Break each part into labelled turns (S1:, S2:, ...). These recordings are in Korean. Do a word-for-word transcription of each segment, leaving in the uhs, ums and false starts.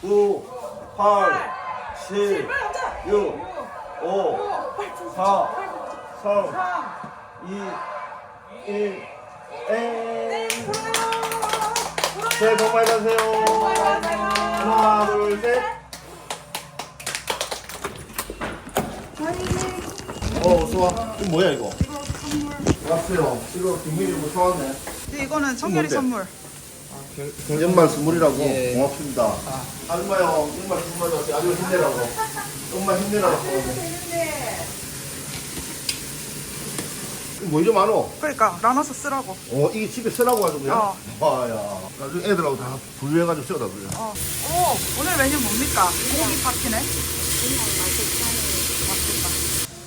S1: 구, 팔, 칠, 육, 오, 사, 삼, 이, 일, 엥. 새해 복 많이 받으세요. 하나, 둘, 셋. 어, 좋아. 이거 뭐야, 이거? 왔어요. 이거 김민이고 좋았네.
S2: 이거는 청결이 선물.
S1: 경전만 선물이라고. 예. 고맙습니다. 아. 아줌마요, 정말 정말 아줌마 힘내라고. 엄마 힘내라고. 뭐 이리 많어?
S2: 그러니까 나눠서 쓰라고.
S1: 어, 이게 집에 쓰라고 하더군요.
S2: 어.
S1: 와야. 나중에 애들하고 다 분류해가지고 쓰다 그래.
S2: 어. 오, 오늘 메뉴 뭡니까? 고기 파티네. 맛있겠다.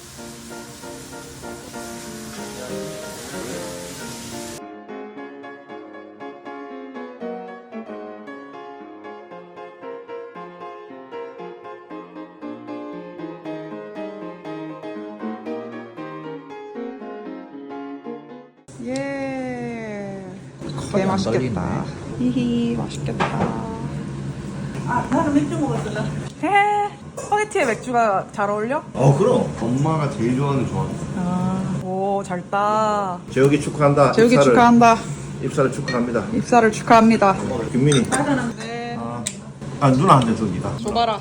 S2: 예. 개 맛있겠다. 히히 맛있겠다.
S3: 아, 나는 맥주 먹었어. 나.
S2: 해. 스파게티에 맥주가 잘 어울려?
S1: 어, 그럼. 엄마가 제일 좋아하는 조합.
S2: 아. 오, 잘 따.
S1: 재욱이 축하한다.
S2: 재욱이
S1: 입사를,
S2: 축하한다.
S1: 입사를 축하합니다.
S2: 입사를 축하합니다.
S1: 김민이.
S2: 네.
S1: 아, 아 누나 한대 저기다.
S2: 줘봐라.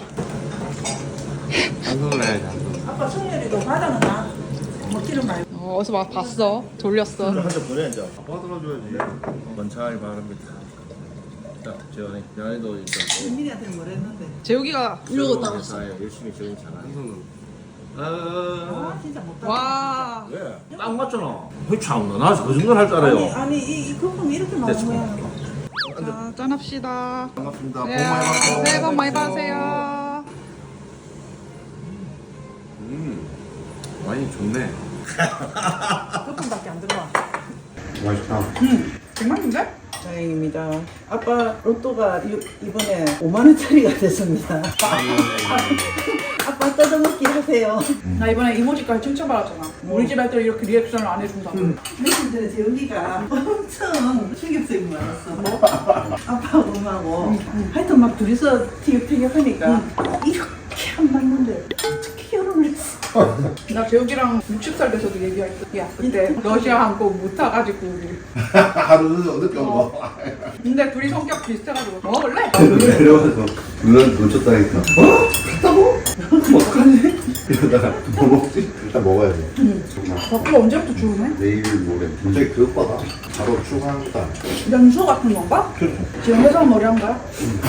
S1: 한 손으로 해야지. 한 손으로.
S3: 아빠 성렬이도 바다는 나. 먹기를 말고.
S2: 어, 어디서 막 봤어. 돌렸어.
S1: 한잔 보내야죠. 아빠 들어줘야지. 원차이 바랍니다. 자, 재현이. 재현이도 일단.
S3: 민이한테 뭘 했는데.
S2: 재욱이가 이러고 따랐어.
S1: 열심히 재훈이 잘하. 한 손으로.
S3: 아,
S1: 아,
S3: 진짜 못다.
S2: 와.
S1: 왜? 딱 맞잖아. 왜 참나? 나 그 정도는 할 줄
S3: 아니,
S1: 알아요.
S3: 아니, 이, 이 거품 이렇게 나온
S1: 됐어.
S3: 거야.
S2: 자, 짠합시다.
S1: 반갑습니다. 복
S2: 네,
S1: 많이 받으세요.
S2: 새해 복 많이 받으세요.
S4: 음, 와인이 좋네.
S3: 거품밖에 안 들어와.
S4: 맛있다.
S2: 정말인데?
S3: 다행입니다. 아빠 로또가 이, 이번에 오만 원짜리가 됐습니다. 아빠 뜯어먹기 하세요.
S2: 나 이번에 이모지까지 칭찬받았잖아. 우리 집 애들 이렇게 리액션을 안 해준다고.
S3: 며칠 전에 재훈이가 엄청 충격적이 많았어. 뭐? 아빠하고 엄마하고 하여튼 막 둘이서 티격태격하니까 이렇게 안 맞는데 어떻게 결혼을 했어?
S2: 나 재욱이랑 육십 살 돼서도 얘기할 때, 야, 그때 러시아 항공 못 타가지고 우리.
S1: 하루 늦게 온 거.
S2: 근데 둘이 성격 비슷해가지고 먹을래?
S4: 내려와서 누나한테 놓쳤다니까. 어? 갔다고? 그럼 어떡하지? 이러다가 뭐 먹지? 일단 먹어야 돼.
S2: 밥도 언제부터 주우네?
S4: 내일 모레. 갑자기 그것보다 바로 출근한다.
S2: 연수 같은 건가? 지금 회사 머리 한 거야?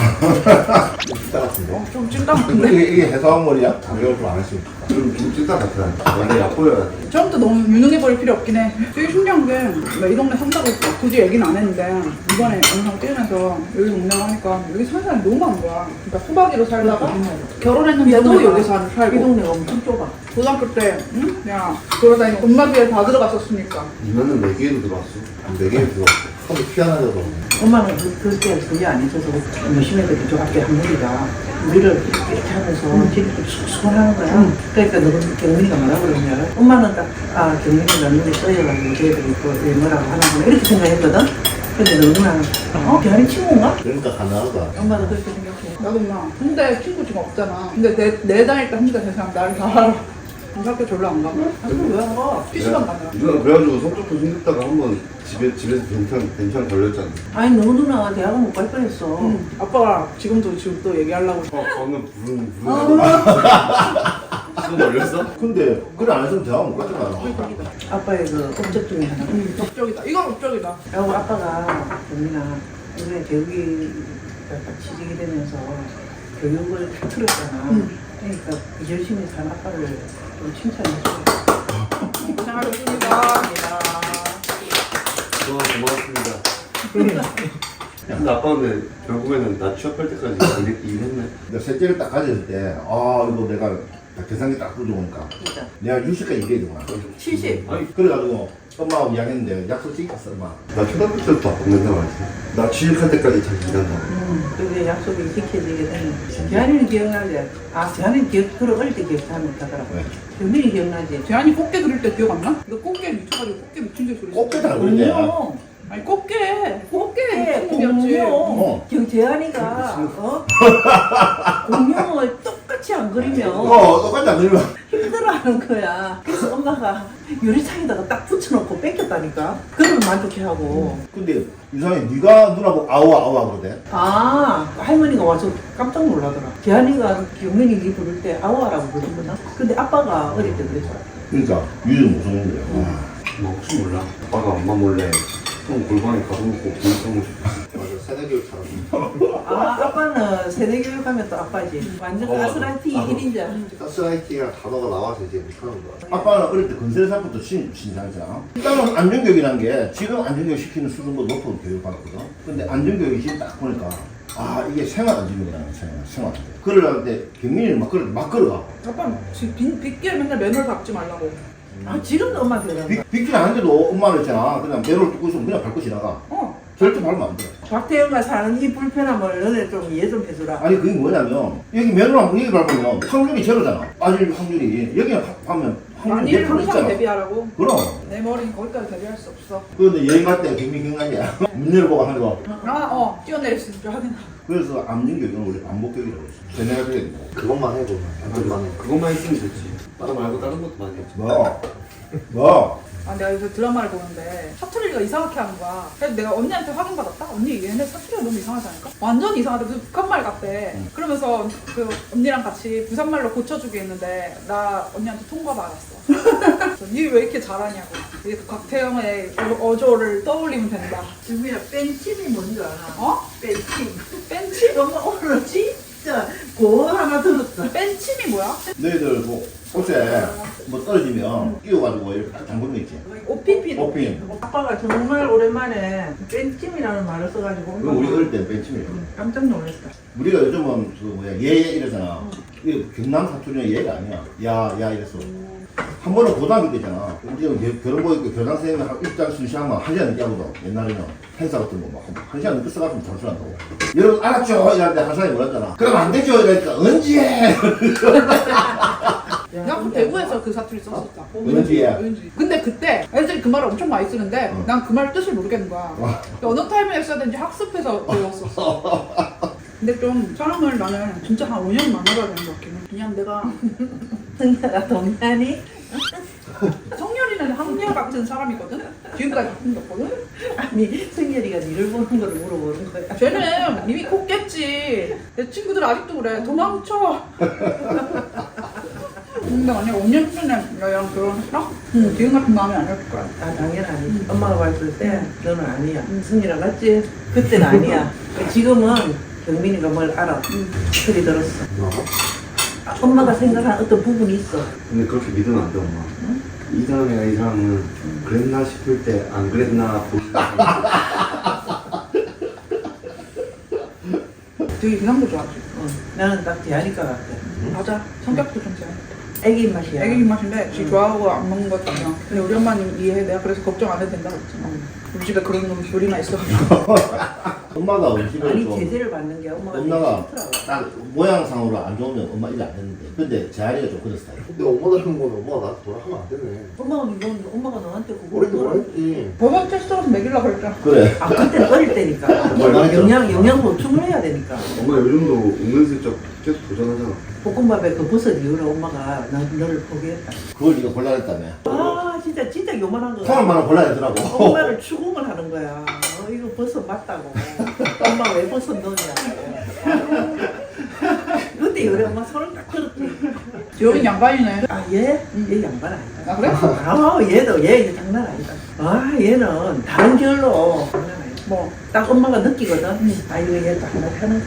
S4: 찐따 같은데?
S2: 좀 찐따 같은데?
S1: 이게, 이게 해사왕 머리야?
S4: 강력을 좀안 했으면 좋겠다. 좀, 좀 찐따 같아. 원래 얕보여야 돼.
S2: 처음부터 너무 유능해 보일 필요 없긴 해. 되게 신기한 게, 나 이 동네 산다고 굳이 얘기는 안 했는데, 이번에 영상 찍으면서 여기 동네를 하니까 여기 사는 사람이 너무 많은 거야. 그러니까 소박이로 살다가 결혼했는데도 여기 사-
S3: 이
S2: 살고.
S3: 동네가 엄청 좁아.
S2: 고등학교 때, 응? 야, 그러다니 엄마들에 다 들어갔었으니까.
S4: 누나는 네 개에도 들어왔어. 네 개에 들어왔어. 처음에 피아노에서
S3: 엄마는 그, 그때 그게 안 있어서 열심히 해서 그쪽밖에 한 무리가 우리를 이렇게 하면서 되게 좀 수근하는 거야. 그러니까 너는 경민이가 뭐라 그러냐. 엄마는 딱, 아, 경민이가 눈이 떠여가지고 걔들이 또 뭐라고 하는구나. 이렇게 생각했거든. 근데 너는, 어? 걔한이 친구인가?
S1: 그러니까 가능하다.
S3: 엄마도 그렇게 생각해.
S2: 나도 막 근데 친구 지금 없잖아. 근데 내, 내 다닐 때 혼자 세상 나를 다 알아. 학교 졸로 안 가고.
S3: 아, 그럼 왜안 가?
S2: 피시방 가면.
S4: 누나 그래가지고 성적표 힘들다가 한번 집에, 집에서 괜찮, 괜찮 걸렸잖아.
S3: 아니, 너 누나 대학은 못 갈 뻔했어.
S2: 응. 아빠가 지금도 지금 또 얘기하려고.
S4: 어, 방금 부른,
S3: 아,
S4: 부른. 시험 걸렸어?
S1: 근데 그래 안 했으면 대학 못 가잖아.
S3: 아빠의 그 업적 중에 하나.
S2: 응, 업적이다. 이건 업적이다.
S3: 그리고 아빠가 경민아, 이번에 교육이 취직이 되면서 교육을 다 틀었잖아.
S2: 응.
S3: 그러니까 열심히 산 아빠를 좀 칭찬해줘.
S2: 고생하셨습니다.
S4: 좋아, 고맙습니다. 근데 아빠 근데 결국에는 나 취업할 때까지 일- 일했네.
S1: 내가 셋째를 딱 가졌을 때, 아, 이거 내가 계산기 딱 들어오니까.
S3: 진짜.
S1: 내가 육십까지 일해야 되구나.
S3: 칠십.
S4: 아니,
S1: 그래가지고 엄마하고 이야기했는데 약속 지켰어, 엄마.
S4: 나 초등학교 때부터 바꾼다 말이지. 나 취직할 때까지 잘 일한다.
S3: 음, 그게 약속이 지켜지게 되는. 대한이는 기억나지? 아, 대한이는 기억, 그래, 어릴 때 기억하면 못하더라고.
S1: 네.
S3: 경민이 기억나지?
S2: 재한이 꽃게 그릴 때 기억 안 나? 이거 꽃게 미쳐가지고 꽃게 미친 듯이 소리.
S1: 꽃게 다 그러네.
S3: 어머,
S2: 아니 꽃게 꽃게
S3: 예,
S2: 무슨
S3: 공룡.
S1: 어.
S3: 경재환이가 어? 공룡을 똑같이 안 그리면
S1: 어, 똑같지 않으면.
S3: 힘들어하는 거야. 그래서 엄마가 유리창에다가 딱 붙여놓고 뺏겼다니까. 그러면 만족해하고.
S1: 근데 이상해, 네가 누나 보고 아우 아우 그러대.
S3: 아, 할머니가 와서 깜짝 놀라더라. 재한이가 경민이 니 부를 때 아우아라고 부르거든. 근데 아빠가 어릴 때 그랬더라.
S1: 그러니까 유유 무서운 거야.
S4: 뭐 혹시 몰라. 아빠가 엄마 몰래 형 골방에 가둬놓고 보이성을
S1: 맞아, 세대교육처럼.
S3: 아, 아빠는 세대교육 하면 또 아빠지. 완전 가스라이팅
S1: 아,
S3: 일 인자.
S1: 가스라이팅이라는 단어가 나와서 이제 못하는 거야. 아빠는 어릴 때 건설사부터 신, 신장자. 일단은 안전교육이라는 게 지금 안전교육 시키는 수준보다 높은 교육을 받았거든. 근데 안전교육이 지금 딱 보니까 아, 이게 생활안전교육이라는 거야, 생활, 생활안전. 그러려고 때 경민이는 막, 걸어, 막 걸어가.
S2: 아빠 지금 빗- 빗길 맨날 맨홀 밟지 말라고.
S3: 아, 지금도 엄마한테 그런다.
S1: 비, 비길 하는데도 엄마는 있잖아. 그냥 매를 뚫고 있으면 그냥 밟고 지나가.
S2: 어.
S1: 절대 밟으면 안 돼.
S3: 박태영과 사는 이 불편함을 너네 좀 이해 좀 해주라.
S1: 아니 그게 뭐냐면 여기 면허랑 여기 밟으면 확률이 제로잖아. 빠질 확률이. 여기 하면 확률이
S2: 만일을
S1: 몇 프로
S2: 항상
S1: 있잖아.
S2: 대비하라고.
S1: 그럼.
S2: 내 머리는 거기까지 대비할 수 없어.
S1: 그런데 여행 갈 때 경미 경관이야. 문 열어보고 하는 거.
S2: 아, 어, 뛰어내릴 수 있을 줄 확인하.
S1: 그래서 암전교육은 원래 반복교육이라고 했어. 세뇌가 돼야 되고.
S5: 그것만 해도 안전만 해.
S4: 그것만 있으면 됐지. 다른 말고 다른 것도 많이 했지.
S1: 뭐? 뭐?
S2: 아, 내가 요새 드라마를 보는데 사투리가 이상하게 하는 거야. 그래서 내가 언니한테 확인받았다? 언니 얘네 사투리가 너무 이상하다니까? 완전 이상하대. 무슨 북한말 같대.
S1: 응.
S2: 그러면서 그 언니랑 같이 부산말로 고쳐주기 했는데 나 언니한테 통과 받았어. 니 왜 이렇게 잘하냐고. 이게 그 곽태영의 어- 어조를 떠올리면 된다.
S3: 지금이야 뺀찜이 뭔지 알아?
S2: 어?
S3: 뺀찜.
S2: 뺀침?
S3: 엄마 오늘 진짜 고 하나 들었어.
S2: 뺀침이 뭐야?
S1: 너희들 뭐 옷에 뭐 떨어지면 끼워가지고 이렇게 딱 잠그는 거 있지.
S2: 오피피.
S1: 오핀.
S3: 아빠가 정말 오랜만에 뺀찜이라는 말을 써가지고
S1: 그거 우리 어릴 때 벤침이에요.
S3: 깜짝 놀랐다.
S1: 우리가 요즘은 그 뭐야 예예 이러잖아. 이게 경남 사투리는 예가 아니야. 야야 이랬어. 한 번은 고등학교 때잖아. 우리가 겨- 결혼고 있고 교장 선생님이 한 입장 순시하면 한 시간 늦게 하거든. 옛날에는 행사 같은 거 막 한 시간 늦게 써가지고 잠수한다고. 여러분 알았죠? 이랬는데 한 사람이 뭐랬잖아. 그럼 안 되죠? 이러니까 언제 해?
S2: 나 그 대구에서 그 사투리 썼었다.
S1: 은지야.
S2: 은지. 근데 그때 애들이 그 말을 엄청 많이 쓰는데
S1: 어.
S2: 난 그 말 뜻을 모르겠는 거야.
S1: 어.
S2: 어느 타이밍에 써야 되는지 학습해서 배웠었어. 근데 좀 사람을 나는 진짜 한 오 년 만나봐야 되는 것 같긴 해. 그냥 내가
S3: 승자가 동안이
S2: 성열이는 한결 같은 사람이거든? 지금까지 바꾼 게 없거든?
S3: 아니 승열이가 니를 보는 거를 물어보는 거야.
S2: 쟤는 이미 컸겠지. 내 친구들 아직도 그래. 도망쳐. 근데 만약 오 년 전에 너랑 결혼했어? 응. 지금 같은 마음이 아닐 거야.
S3: 아 당연 아니지. 엄마가 봤을 때 너는 아니야. 승열아 맞지? 그때는 아니야. 지금은 경민이가 뭘 알아. 소리 들었어. 아, 엄마가 생각한 어떤 부분이 있어.
S4: 근데 그렇게 믿으면 안 돼, 엄마. 이 사람이가 이 사람은 그랬나 싶을 때 안 그랬나 보다.
S2: 되게 이상도 좋아하지.
S3: 어, 나는 딱 대하니까 같아.
S2: 맞아. 성격도 좀 잘.
S3: 애기 입맛이야.
S2: 애기 입맛인데 지 좋아하고 안 먹는 것 같잖아. 근데 우리 엄마는 이해해. 내가 그래서 걱정 안 해도 된다고 했잖아. 우리 집에 그런 놈 둘이나 있어가지고.
S1: 엄마가 우리 집에
S3: 아니
S1: 좀
S3: 제재를 받는 게 엄마가
S1: 엄마가
S3: 되게 싫더라고.
S1: 딱 모양상으로 안 좋으면 엄마 일 안 했는데 근데 재활이가 좀 그런 스타일.
S5: 근데 엄마 닮은 거는 엄마가 나한테 뭐라 하면 안 되네.
S3: 엄마가 너, 엄마가 너한테 그거
S5: 어릴 때 뭐라 했지.
S2: 버벅 테스트라서 먹이려고 그랬잖아.
S1: 그래.
S3: 아 그때 어릴 때니까
S1: 정말 많이
S3: 영양 영양 보충을 해야 되니까.
S4: 엄마 요즘도 은근슬쩍 계속 도전하잖아.
S3: 볶음밥에 그 버섯 이후로 엄마가 나, 너를 포기했다.
S1: 그걸 네가 골라냈다며.
S3: 아 진짜 진짜 요만한 거.
S1: 사람만은 골라내더라고.
S3: 엄마를 추궁을 하는 거야. 어, 이거 버섯 맞다고. 엄마 왜 버섯 넣냐고. 그때 요래 엄마 손을 딱 들었지.
S2: 지효린 양반이네.
S3: 아 얘? 얘 양반 아니다.
S2: 아 그래?
S3: 아 얘도 얘 이제 장난 아니다. 아 얘는 다른 결로 장난 아니다.
S2: 뭐
S3: 딱 엄마가 느끼거든. 아 이거 얘도 하나 하는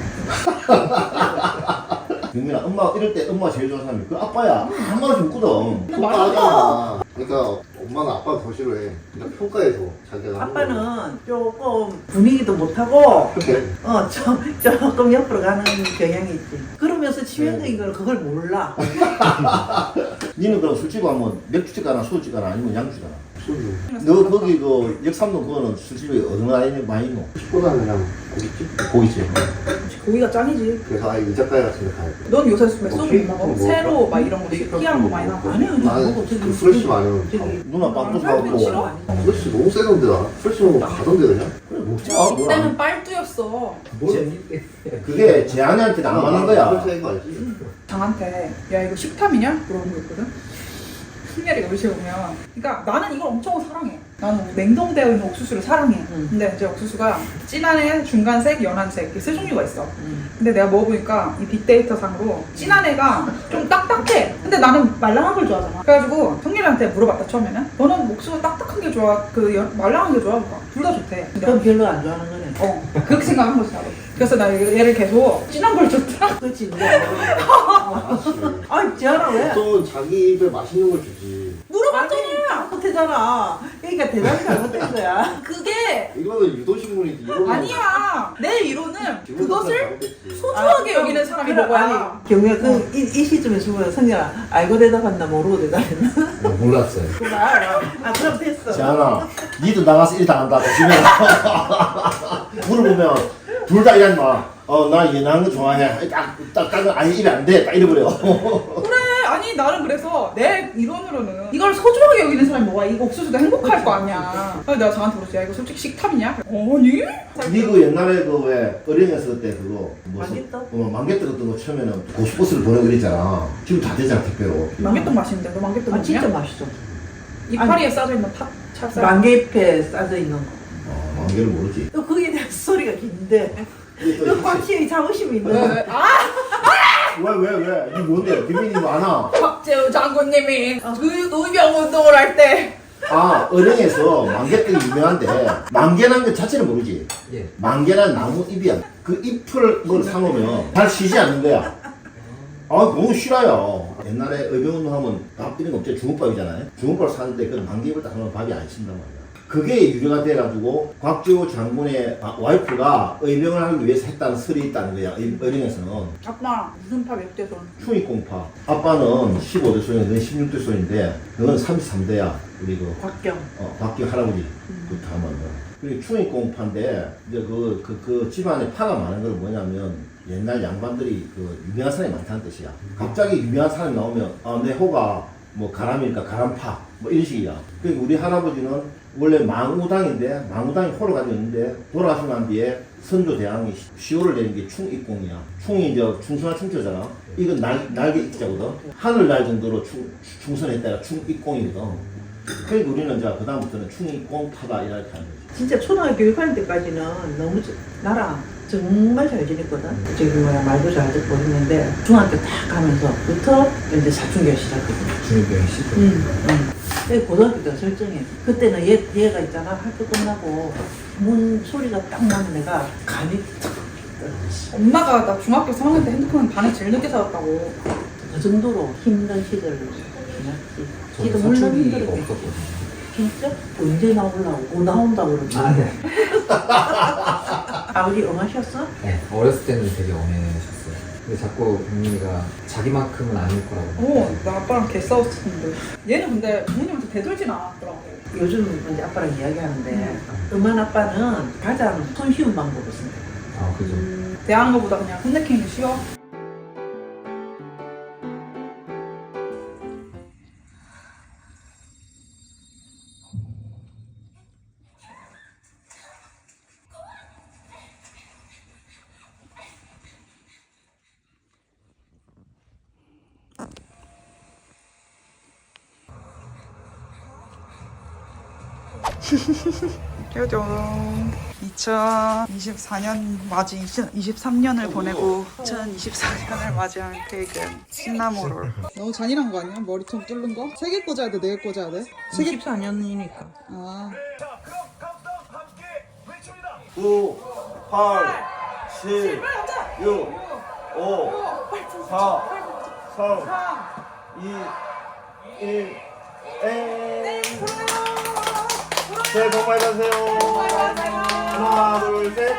S3: 거야.
S1: 경민아 엄마 이럴 때 엄마 제일 좋아하는 사람이 그 아빠야. 한마디씩 묻거든.
S5: 평가하잖아. 그러니까 엄마는 아빠가 더 싫어해. 그러니까 평가해서 자기가. 하는 거야.
S3: 아빠는 조금 분위기도 못하고
S5: 그래.
S3: 어, 좀, 조금 옆으로 가는 경향이 있지. 그러면서 치명적인 걸 그걸 몰라.
S1: 니는 그럼 술집 가면 맥주집 가나 소주집 가나 아니면 양주집 가나?
S5: 소주.
S1: 너 거기 그 역삼동 그거는 술집이 어느 나이 많이 있노?
S5: 식보다는 그냥 고깃집? 고깃집.
S2: 고기가 짱이지.
S5: 그래서 아예 이자카야 같은 데 가야 돼.
S2: 넌 요새 왜
S5: 뭐
S2: 소주
S5: 케이크
S2: 못 먹어?
S5: 먹어?
S2: 새로 막 이런 거
S5: 케이크
S2: 느끼한 거 많이
S5: 먹어.
S2: 나고.
S3: 아니 아니
S5: 나는
S3: 먹어. 저기
S5: 그 프레쉬 많으면 다
S3: 저기
S1: 누나 빵도
S2: 사람들이 싫어.
S1: 사갖고
S5: 프레쉬 너무 세던데 나. 프레쉬 먹으면 가던데 그냥?
S1: 그래 먹지 마. 뭘
S2: 이때는
S1: 안-
S2: 빨뚜였어.
S1: 그게 재한이한테는 안 맞는 거야.
S5: 프레쉬인 거 알지?
S2: 장한테 야 이거 식탐이냐? 물어본 거 있거든. 승열이가 우리 집에 오면 그러니까 나는 이걸 엄청 사랑해. 나는 냉동되어 있는 옥수수를 사랑해.
S3: 음.
S2: 근데 이제 옥수수가 진한애, 중간색, 연한색 이렇게 세 종류가 있어.
S3: 음.
S2: 근데 내가 먹어보니까 이 빅데이터 상으로 진한 애가 좀 딱딱해. 근데 나는 말랑한 걸 좋아하잖아. 그래가지고 성렬이한테 물어봤다 처음에는. 너는 옥수수 딱딱한 게 좋아? 그 연- 말랑한 게 좋아? 둘 다 좋대. 근데
S3: 그럼 별로 안 좋아하는 거네.
S2: 어 그렇게 생각한 거지 나도. 그래서 나 얘를 계속 진한 걸 줬다.
S3: 그렇지. 근데
S5: 아씨.
S3: 아니 지아라 왜?
S5: 보통은 자기 입에 맛있는 걸 주지.
S2: 물어봤더니
S3: 잘못했잖아. 그러니까 대답이 잘못된 거야.
S2: 그게
S5: 이거는 유도식물이지. 이거는
S2: 아니야. 내 이론은
S5: 기분
S2: 그것을
S5: 잘못됐지.
S2: 소중하게
S3: 아,
S2: 여기는 사람이
S3: 그래,
S2: 먹어야지.
S3: 아, 경우야 그, 이, 이 시점에 주면 성렬아 알고 대답했나 모르고 대답했나?
S4: 몰랐어요.
S3: 그래 알아. 아 그럼 됐어.
S1: 재한아, 니도 나가서 일 당한다. 조심해라. 물어보면 둘 다 이런 마. 어, 나 얘나는 거 좋아해. 딱, 딱, 딱, 아니 입에 안 돼. 딱 이래버려.
S2: 그래 아니 나는 그래서 내 이론으로는 이걸 소중하게 여기는 사람이 먹어야 이거 옥수수도 행복할 거 아니야. 그래서 내가 저한테 물었지. 야 이거 솔직히 식탐이냐? 아니?
S1: 니 그 옛날에 그 왜 어린이였을 때 그거 무슨
S3: 만개떡?
S1: 어, 만개떡 같은 거 처음에는 고속버스를 보내고 그랬잖아. 지금 다 되잖아 택배로.
S2: 만개떡 맛있는데 너 만개떡
S3: 아
S2: 먹냐?
S3: 진짜 맛있어.
S2: 이파리에 싸져 있는 탑 찹쌀.
S3: 만개잎에 싸져 있는 거.
S1: 어, 만개를 모르지.
S3: 또 거기에 대한 소리가 긴데.
S1: 이게 또
S3: 그
S1: 있지.
S3: 확실히 자부심이 있는
S2: 왜,
S3: 거.
S2: 왜? 아
S1: 왜, 왜, 왜? 이게 뭔데? 비밀이 많아.
S2: 박재우 장군님이 그 노병 운동을 할 때
S1: 아, 은행에서 만개떡이 유명한데, 만개라는 것 자체를 모르지.
S4: 예.
S1: 만개란 나무 잎이야. 그 잎을 뭘 사놓으면 잘 쉬지 않는 거야. 아, 너무 싫어요. 옛날에 의병운동 하면 밥 이런 거 없죠. 주먹밥이잖아요. 주먹밥 사는데 그 만개잎을 딱 하면 밥이 안 신단 말이야. 그게 유래가 돼가지고 곽지호 장군의 아, 와이프가 의병을 하기 위해서 했다는 설이 있다는 거야. 의- 의령에서는.
S2: 아빠 무슨 파 몇 대 손?
S1: 충익공파. 아빠는 십오 대 손인데 너는 십육 대 손인데 너는 삼십삼 대야. 우리 그
S3: 곽경.
S1: 어, 박기 할아버지 그 다음은 그리고 충익공파인데 이제 그, 그, 그 집안에 파가 많은 건 뭐냐면 옛날 양반들이 그 유명한 사람이 많다는 뜻이야. 갑자기 유명한 사람이 나오면 아, 내 호가 뭐 가람이니까 가람파 뭐 이런 식이야. 그러니까 우리 할아버지는 원래 망우당인데 망우당이 호를 가지고 있는데 돌아가시고 난 뒤에 선조 대왕이 시호를 내린 게 충익공이야. 충이 이제 충선한 충처잖아. 이건 날, 날개 입자거든. 하늘 날 정도로 충, 충선했다가 충익공이거든. 그러니까 우리는 이제 그 다음부터는 충익공파다 이렇게 하는 거지.
S3: 진짜 초등학교 교육할 때까지는 너무 저- 나랑 정말 잘 지냈거든. 저기 뭐야 말도 잘 듣고 했는데 중학교 딱 가면서부터 이제 사춘기가 시작했거든.
S4: 중이병이 시작.
S3: 응. 응. 근데 고등학교 때 설정해. 그때는 얘, 얘가 있잖아. 학교 끝나고 문 소리가 딱 나면 내가 감이 탁 떨어졌어.
S2: 엄마가 나 중학교 삼 학년 때 핸드폰 반에 제일 늦게 사왔다고.
S3: 그 정도로 힘든 시절을 지났지. 지도
S4: 저는
S3: 물론
S4: 사춘기가
S3: 힘들었겠지.
S4: 없었거든요.
S3: 진짜? 언제 나오려고? 뭐 나온다고 그러지?
S4: 아, 네.
S3: 아버지 엄하셨어?
S4: 네, 어렸을 때는 되게 엄해셨어요. 근데 자꾸 경민이가 자기만큼은 아닐 거라고.
S2: 어, 나 아빠랑 개 싸웠었는데. 얘는 근데 부모님한테 대들진 않았더라고.
S3: 요즘 이제 아빠랑 이야기하는데 음한 아빠는 가장 손쉬운 방법을 쓴대.
S4: 아, 그죠.
S2: 대하는 것보다 그냥 혼내키는 게 쉬워. 짜잔. 이천이십사 년 맞이 이천이십삼 년을 보내고 이천이십사 년을 맞이한 케이크는 시나모롤. 너무 잔인한 거 아니야? 머리통 뚫는 거? 세 개 꽂아야 돼? 네 개 꽂아야 돼? 세 개?
S3: 이십사 년이니까.
S2: 아.
S1: 구, 팔, 칠, 육, 오, 사, 삼, 이, 일, 엥. 새해 복 많이 받으세요. 하나, 둘, 셋.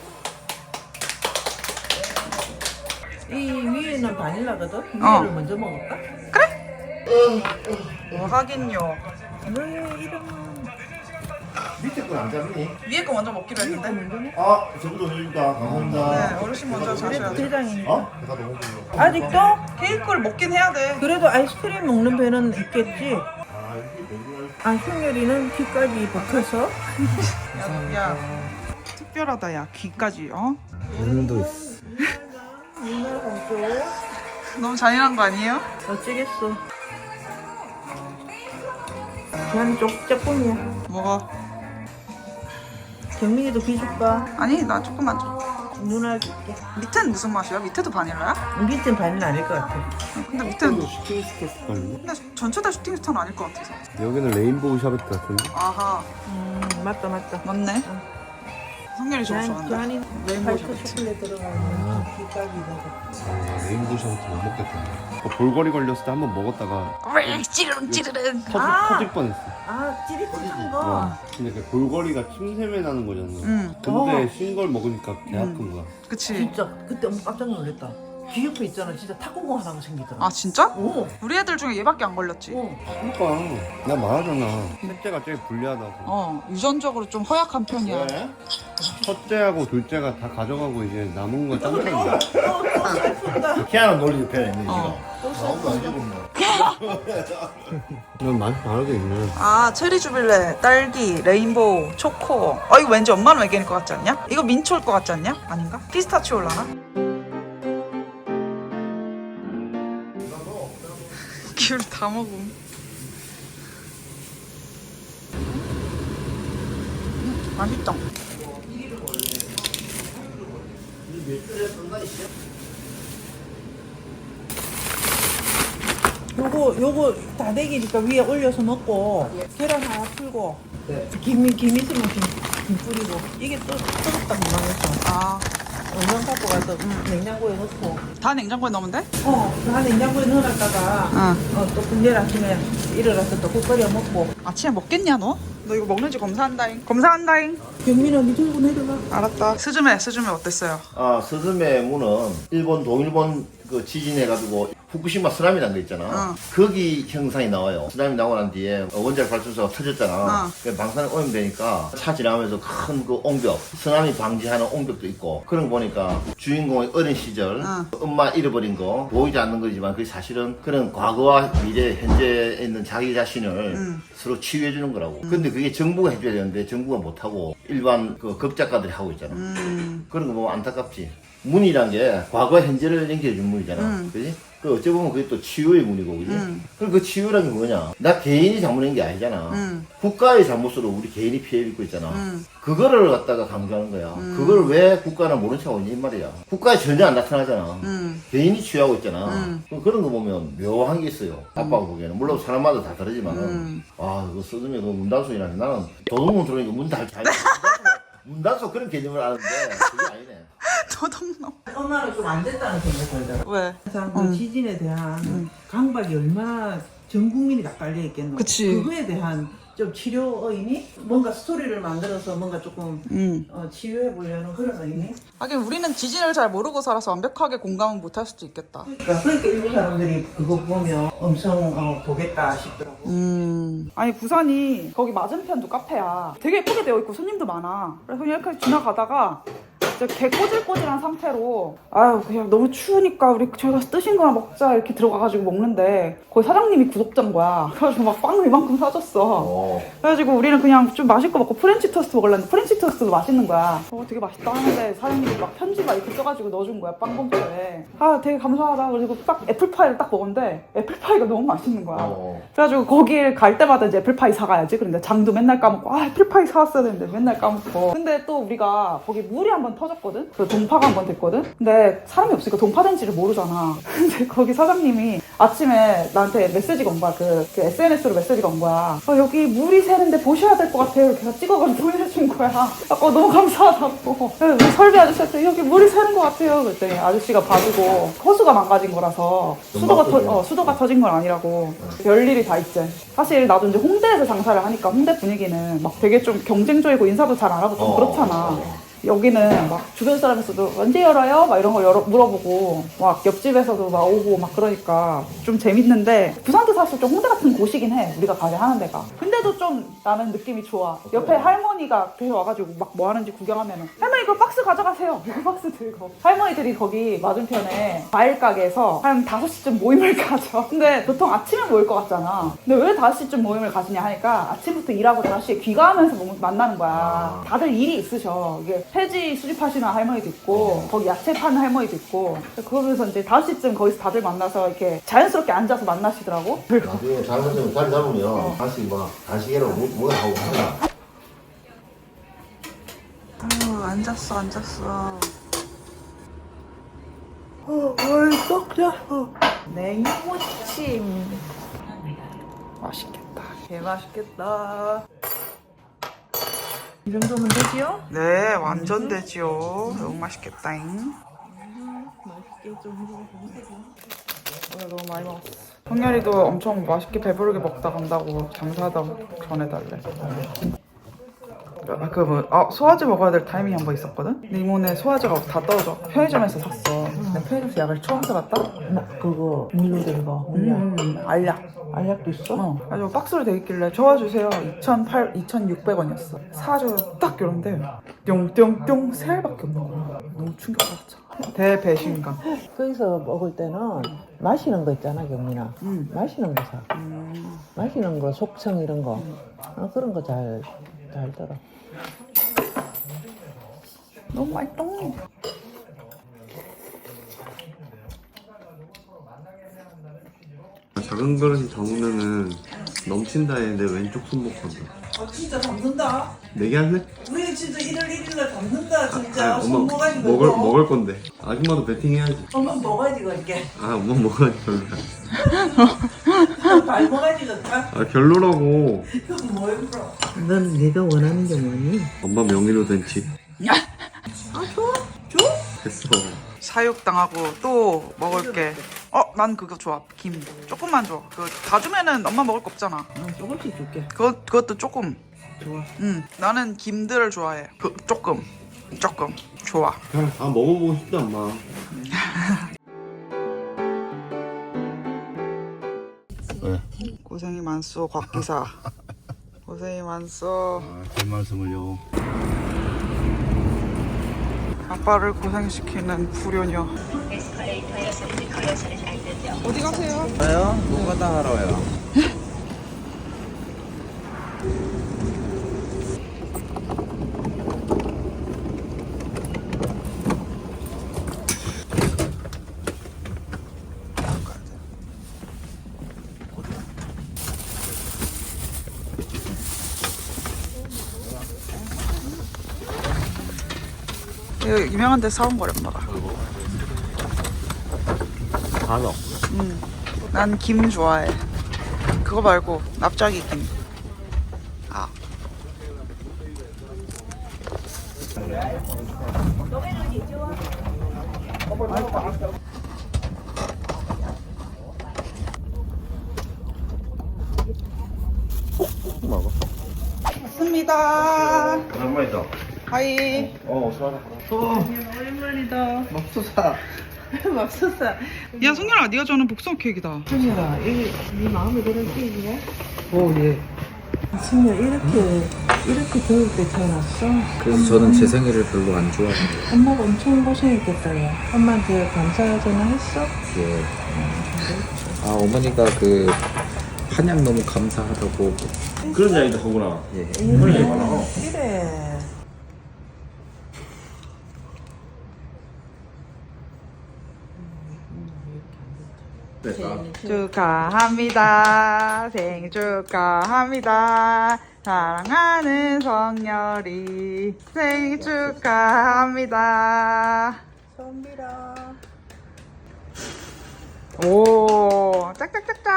S3: 이 위에는 바닐라거든? 위를
S2: 어.
S3: 먼저 먹을까?
S2: 뭐 하긴요.
S3: 왜 이러면
S1: 밑에 건 안 잡니?
S2: 위에 거 먼저 먹기로 했는데.
S1: 아, 저부터 해줄까? 감사합니다.
S2: 네, 어르신 먼저 자셔야죠.
S3: 대장이.
S1: 어?
S5: 배가 너무 불러.
S3: 아직도?
S2: 케이크를 먹긴 해야 돼.
S3: 그래도 아이스크림 먹는 배는 있겠지.
S1: 아, 이게 맨날.
S3: 아, 승열이는 귀까지 박혀서.
S2: 야, 야. 특별하다, 야. 귀까지, 어?
S4: 오늘도 있어.
S3: 누나 공주.
S2: 너무 잔인한 거 아니에요?
S3: 어쩌겠어. 난 쪽짝꿍이야.
S2: 먹어.
S3: 경민이도 귀 줄까?
S2: 아니, 나 조금만 줘.
S3: 누나 줄게.
S2: 밑에는 무슨 맛이야? 밑에도 바닐라야?
S3: 밑엔 반은 아닐 것 같아.
S2: 근데 밑에는
S4: 슈팅 스케치걸요?
S2: 근데 전체 다 슈팅 스타는 아닐 것 같아서.
S4: 여기는 레인보우 샤베트 같은데?
S2: 아하,
S3: 음, 맞다, 맞다.
S2: 맞네. 성렬이 저거
S3: 교환,
S2: 좋아한다.
S3: 교환이
S2: 레인보우
S3: 화이트
S2: 샤베트.
S3: 초콜릿 들어가는 귀까지다가.
S4: 아, 레인보우 샤베트 못 먹겠다. 어, 볼거리 걸렸을 때 한 번 먹었다가
S2: 왜 찌르릉 찌르릉.
S4: 터질,
S3: 아!
S4: 터질 뻔했어.
S3: 아, 찌릿찌릿한 거.
S4: 어. 근데 그 볼거리가 침샘에 나는 거잖아.
S2: 응.
S4: 근데 신 걸 먹으니까 개 아픈 거야.
S2: 그치.
S3: 진짜 그때 엄마 깜짝 놀랐다. 귀 옆에 있잖아. 진짜 탁구공 하나가 생기더라.
S2: 아, 진짜?
S3: 오.
S2: 우리 애들 중에 얘밖에 안 걸렸지.
S3: 오.
S4: 그러니까 나 말하잖아. 셋째가 제일 불리하다고.
S2: 어, 유전적으로 좀 허약한 편이야.
S1: 왜?
S4: 첫째하고 둘째가 다 가져가고 이제 남은 건 짱짱이야.
S1: 희한한 논리 표현했네,
S2: 어.
S1: 지금. 아무도 안 죽었네.
S4: 난 많이 다르게 있네.
S2: 아, 체리 주빌레, 딸기, 레인보우, 초코. 어, 이거 왠지 엄마는 얘기할 것 같지 않냐? 이거 민초일 것 같지 않냐? 아닌가? 피스타치올라나? 귤 다 먹음. 음, 맛있다.
S3: 요거 요거 다대기니까 위에 올려서 먹고 계란 하나 풀고 김, 김 있으면 김, 김 뿌리고 이게 또 뜨겁다 그만해서
S2: 아,
S3: 얼른 갖고 가서 냉장고에 넣고
S2: 다 냉장고에 넣으면 돼?
S3: 어다 냉장고에 넣어놨다가
S2: 응.
S3: 어, 또 내일 아침에 일어나서 또 국 끓여 먹고
S2: 아침에 먹겠냐, 너? 너 이거 먹는지 검사한다잉. 검사한다잉.
S3: 경민아 니 들고 내려가.
S2: 알았다. 스즈메, 스즈메 어땠어요?
S1: 아, 스즈메 무는 일본, 동일본 그 지진해가지고 후쿠시마 쓰나미란 거 있잖아.
S2: 어.
S1: 거기 형상이 나와요. 쓰나미 나고 난 뒤에 원자력 발전소가 터졌잖아.
S2: 어.
S1: 그 방사능 오염 되니까 차 지나면서 큰 그 옹벽, 쓰나미 방지하는 옹벽도 있고 그런 거 보니까 주인공의 어린 시절
S2: 어.
S1: 엄마 잃어버린 거 보이지 않는 거지만 그게 사실은 그런 과거와 미래, 현재에 있는 자기 자신을
S2: 음.
S1: 서로 치유해 주는 거라고. 근데 그게 정부가 해줘야 되는데 정부가 못하고 일반 그 극작가들이 하고 있잖아.
S2: 음.
S1: 그런 거 보면 안타깝지. 문이란 게 과거 현재를 연결해준 문이잖아.
S2: 음.
S1: 그지? 그 어찌 보면 그게 또 치유의 문이고, 그지?
S2: 음.
S1: 그럼 그 치유란 게 뭐냐? 나 개인이 잘못한 게 아니잖아.
S2: 음.
S1: 국가의 잘못으로 우리 개인이 피해 입고 있잖아.
S2: 음.
S1: 그거를 갖다가 강조하는 거야. 그걸 왜 국가는 모른 척하고 있냐, 이 말이야. 국가에 전혀 안 나타나잖아.
S2: 음.
S1: 개인이 취하고 있잖아.
S2: 음.
S1: 그럼 그런 거 보면 묘한 게 있어요. 아빠가 보기에는. 물론 사람마다 다 다르지만은.
S2: 음.
S1: 아, 그거 쓰면 그 문단속이라니. 나는 도둑문 들어오니까 문 달, 잘. 문단속 그런 개념을 아는데, 그게 아니네.
S2: 도둑놈.
S3: 엄마는 좀 안 됐다는 생각이 들더라.
S2: 왜?
S3: 항상 그
S2: 음.
S3: 지진에 대한 강박이 얼마나 전 국민이 다 깔려 있겠노.
S2: 그치.
S3: 그거에 대한 좀 치료 의미? 뭔가 스토리를 만들어서 뭔가 조금
S2: 음.
S3: 어, 치유해 보려는 그런 의미?
S2: 하긴 우리는 지진을 잘 모르고 살아서 완벽하게 공감은 못할 수도 있겠다.
S3: 그러니까 그러니까 일본 사람들이 그거 보면 엄청 어, 보겠다 싶더라고.
S2: 음. 아니 부산이 거기 맞은편도 카페야. 되게 예쁘게 되어 있고 손님도 많아. 그래서 그냥 이렇게 지나가다가 진짜 개 꼬질꼬질한 상태로 아유 그냥 너무 추우니까 우리 저희 가서 뜨신 거나 먹자 이렇게 들어가가지고 먹는데 거기 사장님이 구독자인 거야. 그래가지고 막 빵을 이만큼 사줬어.
S1: 어.
S2: 그래가지고 우리는 그냥 좀 맛있고 먹고 프렌치 토스트 먹으려는데 프렌치 토스트도 맛있는 거야. 어 되게 맛있다 하는데 사장님이 막 편지 막 이렇게 써가지고 넣어준 거야 빵 봉투에. 아 되게 감사하다. 그리고 딱 애플파이를 딱 먹었는데 애플파이가 너무 맛있는 거야.
S1: 어.
S2: 그래가지고 거길 갈 때마다 이제 애플파이 사가야지. 그런데 장도 맨날 까먹고 아 애플파이 사왔어야 되는데 맨날 까먹고. 근데 또 우리가 거기 물이 한번 터졌거든. 그리고 동파가 한번 됐거든. 근데 사람이 없으니까 동파된지를 모르잖아. 근데 거기 사장님이 아침에 나한테 메시지가 온 거야. 그, 그 에스엔에스로 메시지가 온 거야. 어, 여기 물이 새는데 보셔야 될 것 같아요. 이렇게 찍어가지고 보내준 거야. 아까 너무 감사하다고. 그래서 우리 설비 아저씨한테 여기 물이 새는 것 같아요. 그랬더니 아저씨가 봐주고 호수가 망가진 거라서 수도가, 터, 어, 수도가 터진 건 아니라고. 별일이 다 있지. 사실 나도 이제 홍대에서 장사를 하니까 홍대 분위기는 막 되게 좀 경쟁적이고 인사도 잘 안 하고 좀
S1: 어.
S2: 그렇잖아. 여기는 막 주변 사람에서도 언제 열어요? 막 이런 거 열어, 물어보고 막 옆집에서도 막 오고 막 그러니까 좀 재밌는데 부산도 사실 좀 홍대 같은 곳이긴 해. 우리가 가게 하는 데가. 근데도 좀 나는 느낌이 좋아. 옆에 할머니가 계속 와가지고 막 뭐 하는지 구경하면은 할머니 그 박스 가져가세요. 그 박스 들고 할머니들이 거기 맞은편에 과일 가게에서 한 다섯 시쯤 모임을 가져. 근데 보통 아침에 모일 것 같잖아. 근데 왜 다섯 시쯤 모임을 가지냐 하니까 아침부터 일하고 다섯 시에 귀가하면서 모- 만나는 거야. 다들 일이 있으셔. 이게 폐지 수집하시는 할머니도 있고 거기 야채 파는 할머니도 있고 그러면서 이제 다섯 시쯤 거기서 다들 만나서 이렇게 자연스럽게 앉아서 만나시더라고.
S1: 나중에 잘못하면 자리 잡으면 다시 막 간식이라고 뭐, 뭐가 하고 하잖아.
S2: 어, 앉았어 앉았어. 어, 벌써 잤어. 냉무침 맛있겠다. 개 맛있겠다.
S3: 이 정도면 되지요?
S2: 네, 완전 되지요. 너무 맛있겠다잉.
S3: 맛있게 좀
S2: 오늘 너무 많이 먹었어. 성렬이도 엄청 맛있게 배부르게 먹다 간다고 장사하다고 전해달래. 그 뭐, 아, 소화제 먹어야 될 타이밍이 한 번 있었거든? 근데 이모네 소화제가 다 떨어져. 편의점에서 샀어. 근데 편의점에서 약을 처음 사봤다?
S3: 그거 물로 된 거.
S2: 음, 음, 알약.
S3: 알약도 있어?
S2: 어. 그래서 박스로 돼 있길래 저어주세요. 이천팔, 이천육백 원이었어. 사줘. 딱 이런데 뿅뿅뿅 세 알밖에 없는 거야. 너무 충격받았잖아. 대배신감.
S3: 거기서 먹을 때는 마시는 거 있잖아, 경민아.
S2: 음.
S3: 마시는 거 사.
S2: 음.
S3: 마시는 거, 속청 이런 거. 어, 그런 거 잘, 잘 들어.
S2: 너무 맛있다.
S6: 작은 그릇이 담으면은 넘친다 했는데 왼쪽 손목 건다.
S7: 아 진짜 담는다.
S6: 내게 할래?
S7: 우리 진짜 일월 일일날 담는다 진짜.
S6: 아,
S7: 손
S6: 엄마
S7: 모가지
S6: 먹을
S7: 넣고.
S6: 먹을 건데. 아줌마도 베팅해야지.
S7: 엄마 모가지 걸게.
S6: 아 엄마 먹어야지 별로야.
S7: 발 모가지 걸까?
S6: 아 별로라고.
S7: 그건 뭐야 그럼?
S3: 넌 네가 원하는 게 뭐니?
S6: 엄마 명의로 된 집.
S7: 아 줘? 줘?
S6: 됐어.
S2: 사육당하고 또 먹을게. 어, 난 그거 좋아. 김. 조금만 줘. 그 다 주면은 엄마 먹을 거 없잖아.
S3: 어, 조금씩 줄게.
S2: 그거, 그것도 조금.
S3: 좋아.
S2: 응. 나는 김들을 좋아해. 그, 조금. 조금. 좋아.
S6: 아 먹어보고 싶다 엄마.
S2: 고생이 많소, 곽기사. 고생이 많소.
S1: 아, 별 말씀을요.
S2: 아빠를 고생시키는 불효녀. 어디 가세요?
S8: 저요? 노가다 하러요.
S2: 이거 유명한 데 사온 거래, 엄마가.
S8: 간호.
S2: 응. 난 김 좋아해. 그거 말고 납작이 김. 아.
S1: 먹어.
S2: 왔습니다.
S1: 오랜만이다.
S2: 하이.
S1: 어, 어서
S3: 오랜만이다. 맙소사. 맙소사.
S2: 야, 성렬아, 네가 좋아하는 복숭아 케이크다.
S3: 승열아, 이게 네 마음에 드는 케이크야? 오, 예. 승열, 이렇게, 이렇게 더울 때 태어났어?
S8: 그래서 저는 제 생일을 별로 안 좋아해요.
S3: 엄마가 엄청 고생했겠다, 야. 엄마한테 감사 전화 했어?
S8: 예. 아 어머니가 그 한약 너무 감사하다고.
S1: 그런 이야기도 하구나.
S8: 예.
S1: 그런 얘기 많아.
S3: 그래.
S1: 됐다.
S2: 축하합니다. 생일 축하합니다. 사랑하는 성열이 생일 축하합니다.
S3: 선비라.
S2: 오, 짝짝짝짝.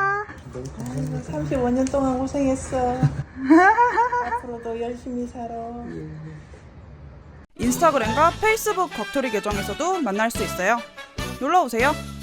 S3: 삼십오 년 동안 고생했어. 앞으로도 열심히 살아.
S2: 인스타그램과 페이스북 겉토리 계정에서도 만날 수 있어요. 놀러 오세요.